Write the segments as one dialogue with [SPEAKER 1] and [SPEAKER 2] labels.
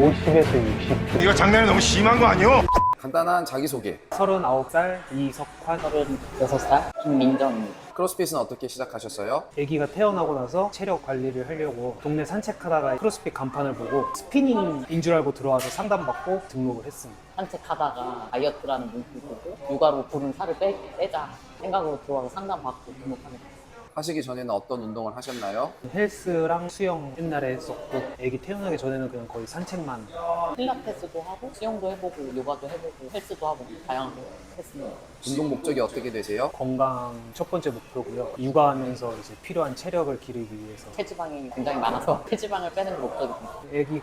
[SPEAKER 1] 50에서 60kg.
[SPEAKER 2] 이거 장난이 너무 심한 거 아니요?
[SPEAKER 3] 간단한 자기소개.
[SPEAKER 1] 39살 이석환.
[SPEAKER 4] 36살 김민정입니다.
[SPEAKER 3] 크로스핏은 어떻게 시작하셨어요?
[SPEAKER 1] 아기가 태어나고 나서 체력 관리를 하려고 동네 산책하다가 크로스핏 간판을 보고 스피닝인 줄 알고 들어와서 상담받고 등록을 했습니다.
[SPEAKER 4] 산책하다가 다이어트라는 문구를 보고 육아로 부른 살을 빼자 생각으로 들어와서 상담받고 등록하게 됐어요.
[SPEAKER 3] 하시기 전에는 어떤 운동을 하셨나요?
[SPEAKER 1] 헬스랑 수영 옛날에 했었고 아기 태어나기 전에는 그냥 거의 산책만.
[SPEAKER 4] 필라테스도 하고 수영도 해보고 요가도 해보고 헬스도 하고 다양하게 했습니다.
[SPEAKER 3] 운동 목적이 어떻게 되세요?
[SPEAKER 1] 건강 첫 번째 목표고요. 육아하면서 이제 필요한 체력을 기르기 위해서.
[SPEAKER 4] 체지방이 굉장히 많아서 체지방을 빼는 게 목적입니다.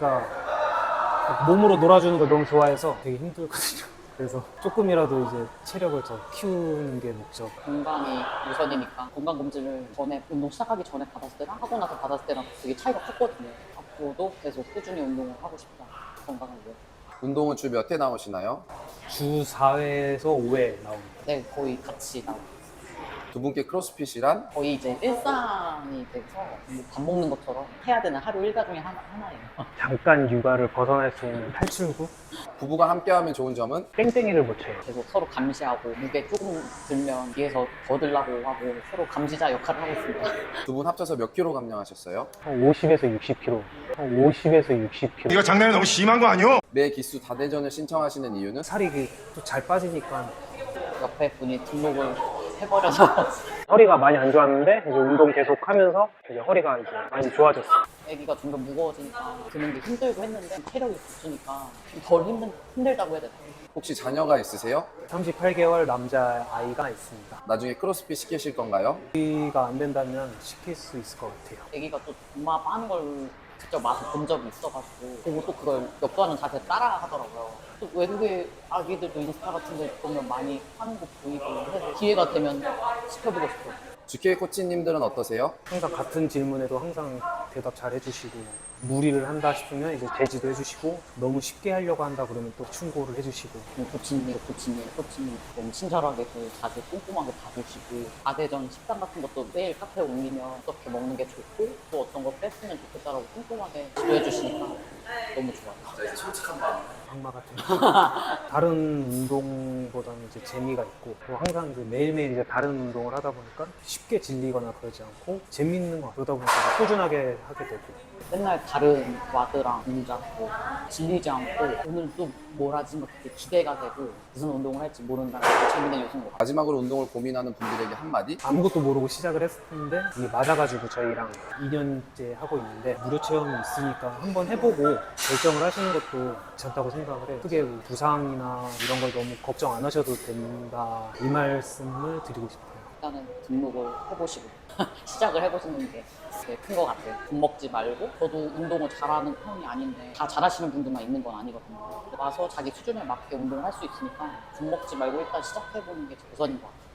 [SPEAKER 1] 아기가 몸으로 놀아주는 걸 너무 좋아해서 되게 힘들거든요. 그래서 조금이라도 이제 체력을 더 키우는 게 목적.
[SPEAKER 4] 건강이 우선이니까 건강검진을 전에 운동 시작하기 전에 받았을 때랑 하고 나서 받았을 때랑 되게 차이가 컸거든요. 앞으로도 계속 꾸준히 운동을 하고 싶다. 건강을 위해.
[SPEAKER 3] 운동은 주 몇 회 나오시나요?
[SPEAKER 1] 주 4회에서 5회 나옵니다.
[SPEAKER 4] 네, 거의 같이 나오고
[SPEAKER 3] 두 분께 크로스핏이란?
[SPEAKER 4] 거의 이제 일상이 돼서 밥 먹는 것처럼 해야 되는 하루 일과 중에 하나예요.
[SPEAKER 1] 잠깐 육아를 벗어날 수 있는 탈출구?
[SPEAKER 3] 부부가 함께하면 좋은 점은?
[SPEAKER 1] 땡땡이를 못 쳐요.
[SPEAKER 4] 계속 서로 감시하고 무게 조금 들면 뒤에서 더 들라고 하고 서로 감시자 역할을 하고 있습니다.
[SPEAKER 3] 두 분 합쳐서 몇 킬로 감량하셨어요?
[SPEAKER 1] 50에서 60kg. 50에서 60kg.
[SPEAKER 2] 이거 장난이 너무 심한 거 아니요?
[SPEAKER 3] 매 기수 다대전을 신청하시는 이유는?
[SPEAKER 1] 살이 또 잘 빠지니까.
[SPEAKER 4] 옆에 분이 등록을 해버려서
[SPEAKER 1] 허리가 많이 안 좋았는데 이제 운동 계속 하면서 이제 허리가 이제 많이 좋아졌어요.
[SPEAKER 4] 애기가 점점 무거워지니까 드는 게 힘들고 했는데 체력이 붙으니까 좀 덜 힘들다고 해야 되나?
[SPEAKER 3] 혹시 자녀가 있으세요?
[SPEAKER 1] 38개월 남자 아이가 있습니다.
[SPEAKER 3] 나중에 크로스핏 시키실 건가요?
[SPEAKER 1] 아기가 안 된다면 시킬 수 있을 것 같아요.
[SPEAKER 4] 애기가 또 엄마 빠는 걸 직접 맛을 본 적이 있어가지고 보고 또 그걸 역도하는 자세 따라 하더라고요. 또 외국의 아기들도 인스타 같은 데 보면 많이 하는 거 보이고 해서 기회가 되면 시켜보고 싶어요.
[SPEAKER 3] GK 코치님들은 어떠세요?
[SPEAKER 1] 항상 같은 질문에도 항상 대답 잘 해주시고 무리를 한다 싶으면 이제 제지도 해주시고 너무 쉽게 하려고 한다 그러면 또 충고를 해주시고
[SPEAKER 4] 코치님 너무 친절하게 그 자세 꼼꼼하게 봐주시고 아대전 식단 같은 것도 매일 카페에 올리면 어떻게 먹는 게 좋고 또 어떤 거 뺐으면 좋겠다라고 꼼꼼하게 지도해 주시니까 너무 좋아요.
[SPEAKER 3] 솔직한 마음.
[SPEAKER 1] 악마 같은 다른 운동보다는 이제 재미가 있고 또 항상 이제 매일매일 이제 다른 운동을 하다 보니까 쉽게 질리거나 그러지 않고 재밌는 거 그러다 보니까 꾸준하게 하게 되고.
[SPEAKER 4] 맨날 다른 와드랑 동작 질리지 않고 오늘 또 뭘 하지 막 되게 기대가 되고 무슨 운동을 할지 모른다는 게 재밌는 요소인 것 같아요.
[SPEAKER 3] 마지막으로 운동을 고민하는 분들에게 한마디?
[SPEAKER 1] 아무것도 모르고 시작을 했었는데 이게 맞아가지고 저희랑 2년째 하고 있는데 무료 체험이 있으니까 한번 해보고 결정을 하시는 것도 괜찮다고 생각을 해요. 크게 부상이나 이런 걸 너무 걱정 안 하셔도 된다 이 말씀을 드리고 싶어요.
[SPEAKER 4] 일단은 등록을 해보시고 시작을 해보시는 게 큰 것 같아요. 겁먹지 말고 저도 운동을 잘하는 편이 아닌데 다 잘하시는 분들만 있는 건 아니거든요. 와서 자기 수준에 맞게 운동을 할 수 있으니까 겁먹지 말고 일단 시작해보는 게 우선인 것 같아요.